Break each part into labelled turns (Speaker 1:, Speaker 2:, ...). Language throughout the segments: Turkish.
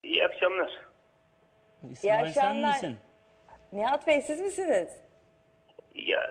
Speaker 1: İyi akşamlar.
Speaker 2: İsmail sen
Speaker 3: akşamlar.
Speaker 2: misin?
Speaker 3: Nihat Bey siz misiniz?
Speaker 1: Ya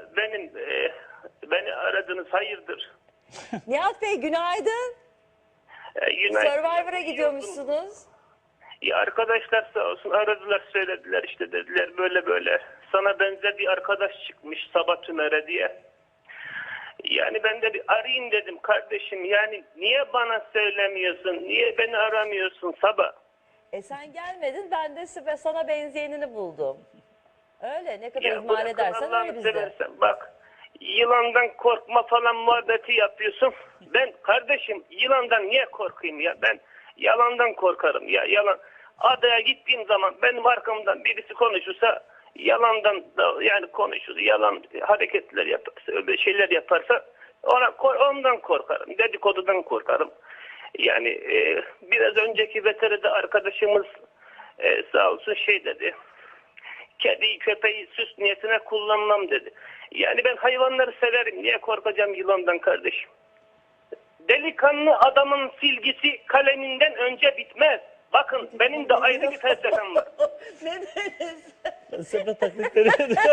Speaker 1: beni aradınız hayırdır?
Speaker 3: Nihat Bey günaydın.
Speaker 1: Günaydın.
Speaker 3: Survivor'a gidiyormuşsunuz.
Speaker 1: Ya arkadaşlar sağ olsun aradılar söylediler işte dediler böyle böyle. Sana benzer bir arkadaş çıkmış Sabah Tümer'e diye. Yani ben de bir arayayım dedim kardeşim. Yani niye bana söylemiyorsun? Niye beni aramıyorsun Sabah?
Speaker 3: Sen gelmedin ben de sana benzeyenini buldum. Öyle ne kadar
Speaker 1: Ya
Speaker 3: ihmal
Speaker 1: bırakın
Speaker 3: edersen
Speaker 1: Allah'ını
Speaker 3: öyle bizde.
Speaker 1: seversen. Bak yılandan korkma falan muhabbeti yapıyorsun. Ben kardeşim yılandan niye korkayım ya? Ben yalandan korkarım ya. Yalan. Adaya gittiğim zaman benim arkamdan birisi konuşursa yalandan da yani konuşur. Yalan hareketler yaparsa öyle şeyler yaparsa ondan korkarım. Dedikodudan korkarım. Yani biraz önceki veteride arkadaşımız sağ olsun şey dedi. Kediyi köpeği süs niyetine kullanmam dedi. Yani ben hayvanları severim. Niye korkacağım yılandan kardeşim? Delikanlı adamın silgisi kaleminden önce bitmez. Bakın benim de ayrı bir felsefem var.
Speaker 3: Ne dediniz?
Speaker 2: Felsefe taklitleri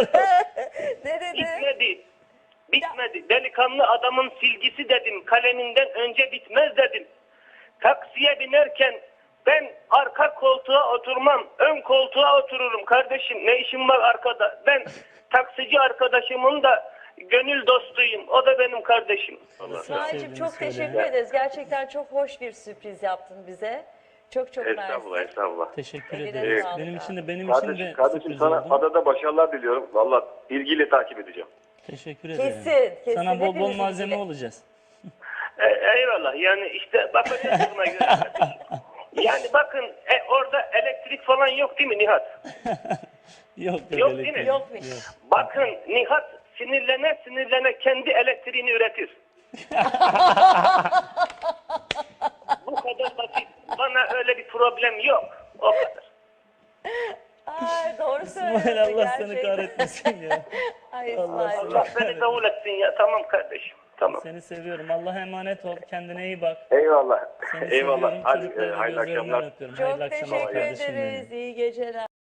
Speaker 3: Ne dedi?
Speaker 1: Bitmedi. Delikanlı adamın silgisi dedim. Kaleminden önce bitmez dedim. Taksiye binerken ben arka koltuğa oturmam. Ön koltuğa otururum kardeşim. Ne işim var arkada? Ben taksici arkadaşımın da gönül dostuyum. O da benim kardeşim.
Speaker 3: İsmail'cim çok teşekkür ederiz. Gerçekten çok hoş bir sürpriz yaptın bize. Çok çok
Speaker 1: Estağfurullah,
Speaker 3: mersi.
Speaker 1: estağfurullah.
Speaker 2: Teşekkür
Speaker 3: Eline
Speaker 2: ederiz.
Speaker 3: sağlık
Speaker 2: Benim
Speaker 3: abi.
Speaker 2: için de
Speaker 4: Kardeşim
Speaker 2: sürpriz
Speaker 4: sana
Speaker 2: oldu.
Speaker 4: adada başarılar diliyorum. Valla ilgiyle takip edeceğim.
Speaker 2: Teşekkür ederim.
Speaker 3: Kesin.
Speaker 2: Sana bol bol
Speaker 3: Hepimiz
Speaker 2: malzeme
Speaker 3: ilgili.
Speaker 2: olacağız.
Speaker 1: Eyvallah. Yani işte bakacağız buna göre. Yani bakın orada elektrik falan yok değil mi Nihat?
Speaker 2: Yok
Speaker 1: Yok değil mi?
Speaker 3: Yokmuş.
Speaker 1: Bakın Nihat sinirlene kendi elektriğini üretir. Bu kadar basit. Bana öyle bir problem yok. O kadar.
Speaker 3: Ay doğru söylüyorsun.
Speaker 2: İsmail Allah seni
Speaker 3: gerçekten.
Speaker 2: kahretmesin ya.
Speaker 3: Ay
Speaker 2: Allah
Speaker 3: İsmail.
Speaker 1: Allah beni davul etsin ya. Tamam kardeşim. Tamam.
Speaker 2: Seni seviyorum. Allah'a emanet ol. Kendine iyi bak.
Speaker 4: Eyvallah.
Speaker 2: Seni
Speaker 4: Eyvallah.
Speaker 2: seviyorum.
Speaker 4: Hadi
Speaker 2: Çocuklarını
Speaker 4: hayırlı
Speaker 2: gözlerinden
Speaker 4: akşamlar.
Speaker 2: öpüyorum.
Speaker 3: Çok
Speaker 2: Hayırlı akşamlar
Speaker 3: teşekkür
Speaker 2: kardeşim benim.
Speaker 3: ederiz. İyi geceler.